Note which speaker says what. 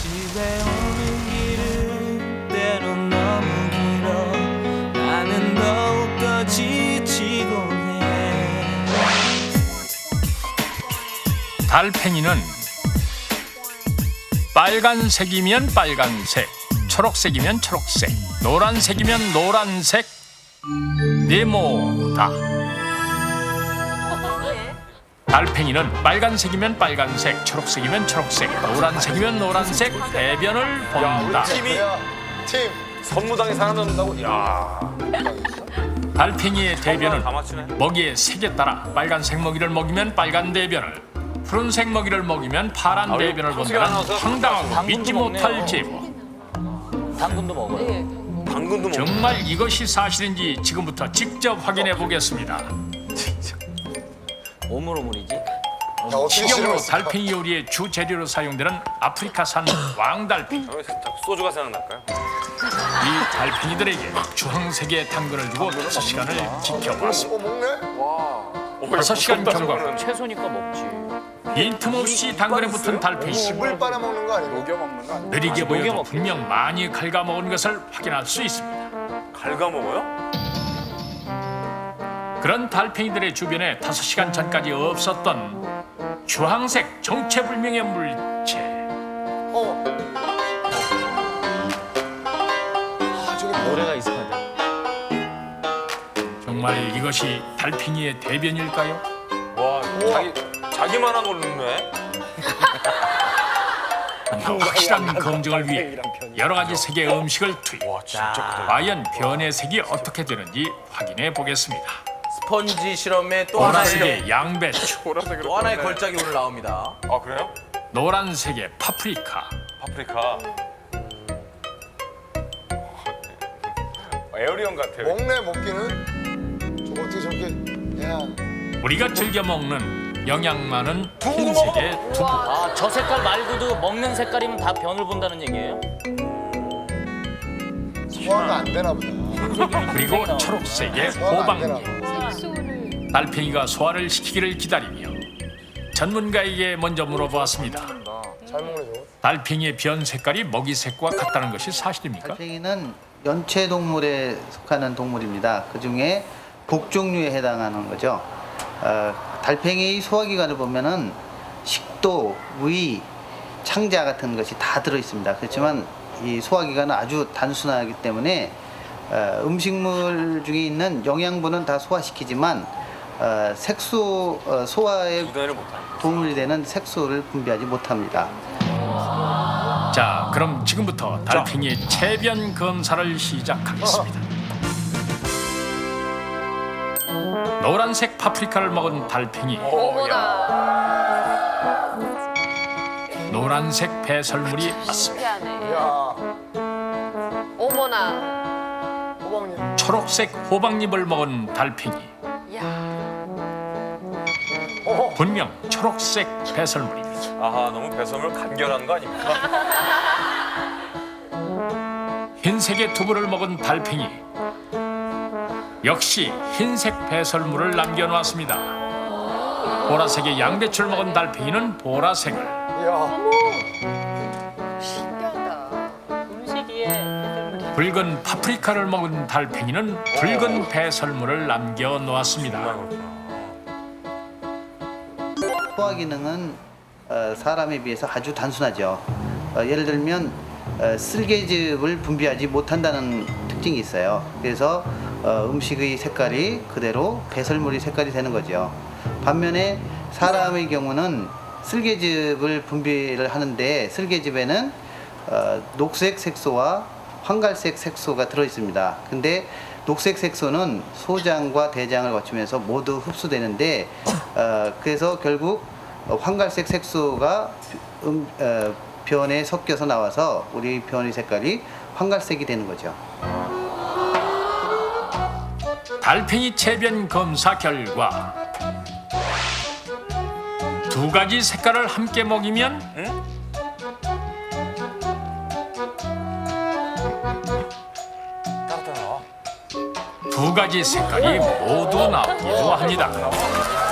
Speaker 1: 집에 오는 길은 때론 너무 길어 나는 더욱더 지치곤 해.
Speaker 2: 달팽이는 빨간색이면 빨간색, 초록색이면 초록색, 노란색이면 노란색, 네모다. 달팽이는 빨간색이면 빨간색, 초록색이면 초록색, 노란색이면 노란색, 대변을 본다.
Speaker 3: 팀이 선무당에 살아남는다고? 야.
Speaker 2: 달팽이의 대변은
Speaker 3: 다 맞추네.
Speaker 2: 먹이의 색에 따라 빨간색 먹이를 먹이면 빨간 대변을, 푸른색 먹이를 먹이면 파란 대변을 본다는 황당하고 믿지 못할 제보.
Speaker 4: 당근도 먹어요.
Speaker 3: 당근도 먹.
Speaker 2: 정말 이것이 사실인지 지금부터 직접 확인해 보겠습니다.
Speaker 4: 오물오물이지.
Speaker 2: 식용으로 달팽이 요리의 주 재료로 사용되는 아프리카산 왕달팽이.
Speaker 3: 왜 자꾸 소주가 생각날까요?
Speaker 2: 이 달팽이들에게 주황색의 당근을 주고 5시간을 지켜봤습니다.
Speaker 3: 먹네?
Speaker 2: 5시간 경과
Speaker 4: 채소니까 먹지.
Speaker 2: 빈틈없이 당근에 붙은 달팽이.
Speaker 5: 물 빨아먹는 거 아니고? 녹여 먹는 거 아니고?
Speaker 2: 느리게 보여도
Speaker 4: 녹여먹겠지.
Speaker 2: 분명 많이 갉아먹은 것을 확인할 수 있습니다.
Speaker 3: 갉아먹어요?
Speaker 2: 그런 달팽이들의 주변에 5시간 전까지 없었던 주황색 정체불명의 물체.
Speaker 4: 노래가 익숙하다.
Speaker 2: 정말 이것이 달팽이의 대변일까요?
Speaker 3: 와, 자기만 한 걸 넣네?
Speaker 2: 확실한 검증을 위해 여러 가지 색의 음식을 투입.
Speaker 3: 와, 진짜 크다.
Speaker 2: 과연 변의 색이 어떻게 되는지 확인해 보겠습니다.
Speaker 6: 스펀지 실험에 또 하나의
Speaker 2: 보라색의 양배추,
Speaker 6: 또 하나의 걸작이 오늘 나옵니다.
Speaker 3: 아, 그래요?
Speaker 2: 노란색의 파프리카,
Speaker 3: 파프리카. 에어리언 같아요.
Speaker 5: 먹네 먹기는. 저거 어떻게 저렇게? 야.
Speaker 2: 우리가 즐겨 먹는 영양 많은 흰색의 두부,
Speaker 4: 아, 저 색깔 말고도 먹는 색깔이면 다 변을 본다는 얘기예요?
Speaker 5: 소화가 안 되나 보다.
Speaker 2: 그리고 초록색의
Speaker 5: 소화가 안 되나
Speaker 2: 호박잎.
Speaker 5: 보다.
Speaker 2: 달팽이가 소화를 시키기를 기다리며 전문가에게 먼저 물어보았습니다.
Speaker 5: 잘 먹네 저거.
Speaker 2: 달팽이의 변 색깔이 먹이 색과 같다는 것이 사실입니까?
Speaker 7: 달팽이는 연체 동물에 속하는 동물입니다. 그 중에 복종류에 해당하는 거죠. 달팽이 소화기관을 보면은 식도, 위, 창자 같은 것이 다 들어 있습니다. 그렇지만 이 소화기관은 아주 단순하기 때문에 음식물 중에 있는 영양분은 다 소화시키지만 색소 소화에
Speaker 3: 기다려 못하.
Speaker 7: 도움이 되는 색소를 분비하지 못합니다.
Speaker 2: 자, 그럼 지금부터 달팽이의 체변 검사를 시작하겠습니다. 노란색 파프리카를 먹은 달팽이, 노란색 배설물이 맞습니다.
Speaker 8: 신기하네.
Speaker 5: 야.
Speaker 8: 어머나.
Speaker 5: 호박잎.
Speaker 2: 초록색 호박잎을 먹은 달팽이,
Speaker 8: 야.
Speaker 2: 분명 초록색 배설물입니다.
Speaker 3: 아하, 너무 배선을 간결한 거 아닙니까?
Speaker 2: 흰색의 두부를 먹은 달팽이, 역시 흰색 배설물을 남겨놓았습니다. 보라색의 양배추를 먹은 달팽이는 보라색을,
Speaker 5: 야.
Speaker 8: 신기하다.
Speaker 2: 붉은 파프리카를 먹은 달팽이는 붉은 배설물을 남겨놓았습니다.
Speaker 7: 소화 기능은 사람에 비해서 아주 단순하죠. 예를 들면 쓸개즙을 분비하지 못한다는 특징이 있어요. 그래서 음식의 색깔이 그대로 배설물의 색깔이 되는 거죠. 반면에 사람의 경우는 쓸개즙을 분비를 하는데 쓸개즙에는 녹색 색소와 황갈색 색소가 들어 있습니다. 근데 녹색 색소는 소장과 대장을 거치면서 모두 흡수되는데 그래서 결국 황갈색 색소가 변에 섞여서 나와서 우리 변의 색깔이 황갈색이 되는 거죠.
Speaker 2: 달팽이 체변 검사 결과 두 가지 색깔을 함께 먹이면
Speaker 3: 따라 나와.
Speaker 2: 두 가지 색깔이 모두 나오기도 합니다.